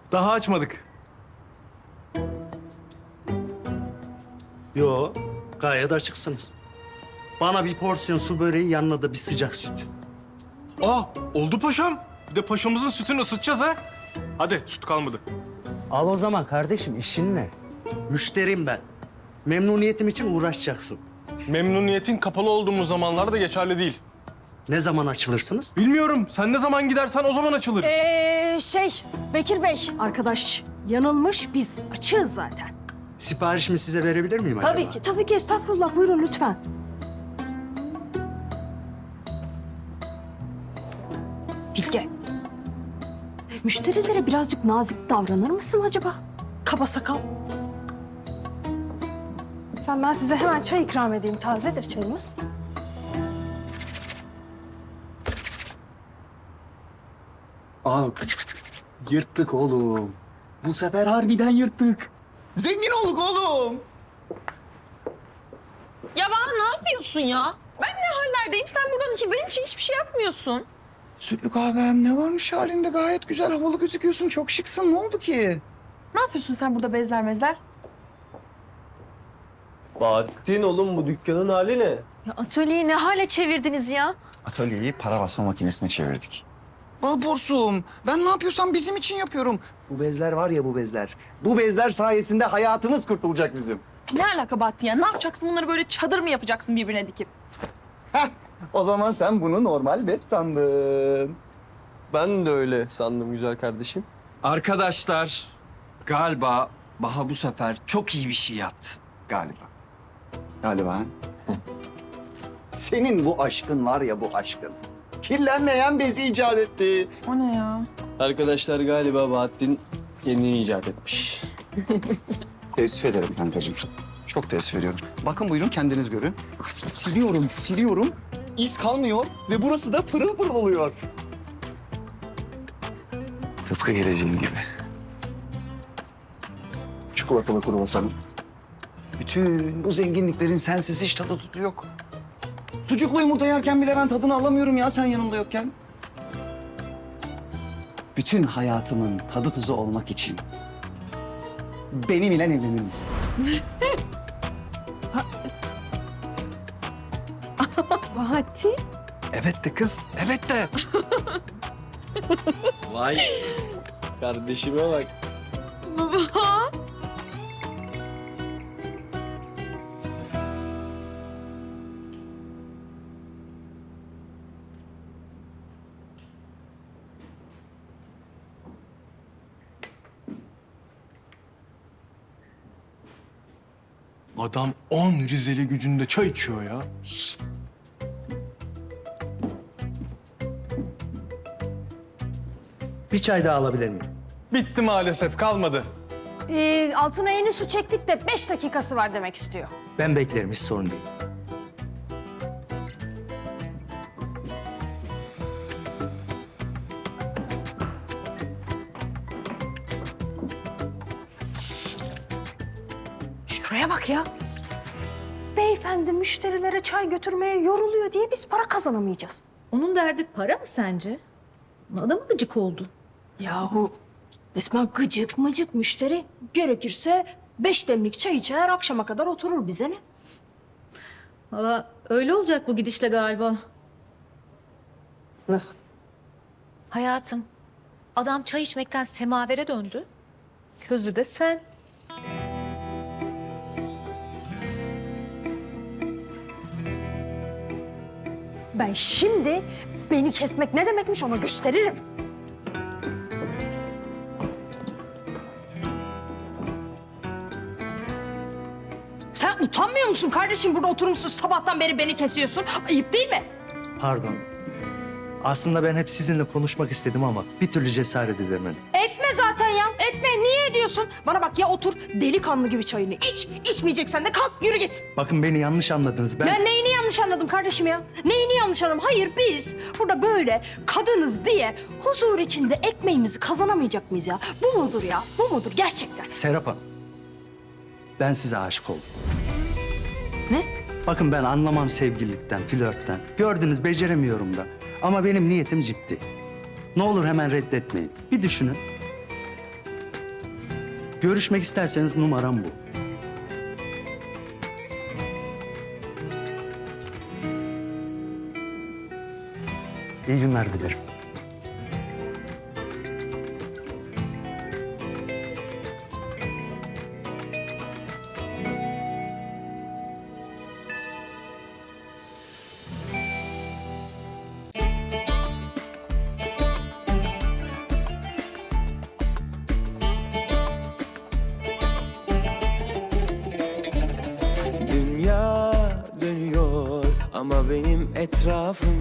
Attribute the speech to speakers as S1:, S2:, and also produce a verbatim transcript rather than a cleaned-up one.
S1: Daha açmadık.
S2: Yo, gayet açıksınız. Bana bir porsiyon su böreği, yanına da bir sıcak süt.
S1: Aa, oldu paşam. Bir de paşamızın sütünü ısıtacağız ha. Hadi, süt kalmadı.
S2: Al o zaman kardeşim, işin ne? Müşterim ben. Memnuniyetim için uğraşacaksın.
S1: Memnuniyetin kapalı olduğumuz zamanlarda geçerli değil.
S2: Ne zaman açılırsınız?
S1: Bilmiyorum. Sen ne zaman gidersen o zaman açılır.
S3: Ee, şey, Bekir Bey arkadaş yanılmış. Biz açığız zaten.
S2: Siparişimi size verebilir miyim acaba?
S3: Tabii ki, tabii ki. Estağfurullah. Buyurun lütfen. Bilge. Müşterilere birazcık nazik davranır mısın acaba? Kaba sakal. Efendim ben size hemen çay ikram edeyim. Tazedir çayımız.
S4: Aa, yırttık oğlum. Bu sefer harbiden yırttık. Zengin olduk oğlum.
S5: Ya bana ne yapıyorsun ya? Ben ne hallerdeyim? Sen buradan hiç, benim için hiçbir şey yapmıyorsun.
S4: Sütlü kahvem ne varmış halinde, gayet güzel havalı gözüküyorsun. Çok şıksın. Ne oldu ki?
S5: Ne yapıyorsun sen burada bezler mezler?
S6: Bahattin oğlum bu dükkanın hali ne?
S3: Ya atölyeyi ne hale çevirdiniz ya?
S4: Atölyeyi para basma makinesine çevirdik. Bal borsum, ben ne yapıyorsam bizim için yapıyorum. Bu bezler var ya, bu bezler. Bu bezler sayesinde hayatımız kurtulacak bizim.
S5: Ne alaka Bahattin ya? Ne yapacaksın? Bunları böyle çadır mı yapacaksın birbirine dikip?
S4: Heh, o zaman sen bunu normal bez sandın.
S6: Ben de öyle sandım güzel kardeşim.
S7: Arkadaşlar, galiba Baha bu sefer çok iyi bir şey yaptı.
S4: Galiba. Galiba. ha? Senin bu aşkın var ya, bu aşkın. Kirlenmeyen bezi icat etti.
S5: O ne ya?
S6: Arkadaşlar galiba Bahattin kendini icat etmiş.
S4: Teessüf ederim kankacığım. Çok teessüf ediyorum. Bakın buyurun, kendiniz görün. Siliyorum, siliyorum. İz kalmıyor ve burası da pırıl pırıl oluyor. Tıpkı geleceğin gibi. Çikolatalı kruvasanım. Bütün bu zenginliklerin sensiz hiç tadı tutu yok. Sucuklu yumurta yerken bile ben tadını alamıyorum ya, sen yanımda yokken. Bütün hayatımın tadı tuzu olmak için benimle evlenir misin?
S3: Bahattin.
S7: Evet de kız, evet de.
S6: Vay. Kardeşime bak.
S5: Baba.
S1: Adam on Rizeli gücünde çay içiyor ya.
S2: Bir çay daha alabilir miyim?
S1: Bitti maalesef, kalmadı.
S3: Ee, altına yeni su çektik de beş dakikası var demek istiyor.
S2: Ben beklerim, hiç sorun değil.
S3: Şuraya bak ya. Beyefendi müşterilere çay götürmeye yoruluyor diye biz para kazanamayacağız.
S8: Onun derdi para mı sence? Adam mı gıcık oldu?
S3: Yahu resmen gıcık mıcık müşteri. Gerekirse beş demlik çay içer akşama kadar oturur, bize ne?
S8: Valla öyle olacak bu gidişle galiba.
S3: Nasıl?
S8: Hayatım, adam çay içmekten semavere döndü. Közü de sen.
S3: Ben şimdi beni kesmek ne demekmiş ona gösteririm. Sen utanmıyor musun kardeşim? Burada oturmuşsun sabahtan beri beni kesiyorsun. Ayıp değil mi?
S2: Pardon. Aslında ben hep sizinle konuşmak istedim ama bir türlü cesaret edemedim.
S3: Etme zaten ya. Etme. Niye ediyorsun? Bana bak ya, otur delikanlı gibi çayını iç. İçmeyeceksen de kalk yürü git.
S2: Bakın beni yanlış anladınız. Ben...
S3: Ben neyini yanlış anladım kardeşim ya? Neyini yanlış anladım? Hayır, biz burada böyle kadınız diye huzur içinde ekmeğimizi kazanamayacak mıyız ya? Bu mudur ya? Bu mudur gerçekten?
S2: Serap Hanım, ben size aşık oldum.
S3: Ne?
S2: Bakın ben anlamam sevgililikten, flörtten. Gördünüz, beceremiyorum da. Ama benim niyetim ciddi. Ne olur hemen reddetmeyin. Bir düşünün. Görüşmek isterseniz numaram bu. İyi günler dilerim.
S9: Dünya dönüyor ama benim etrafım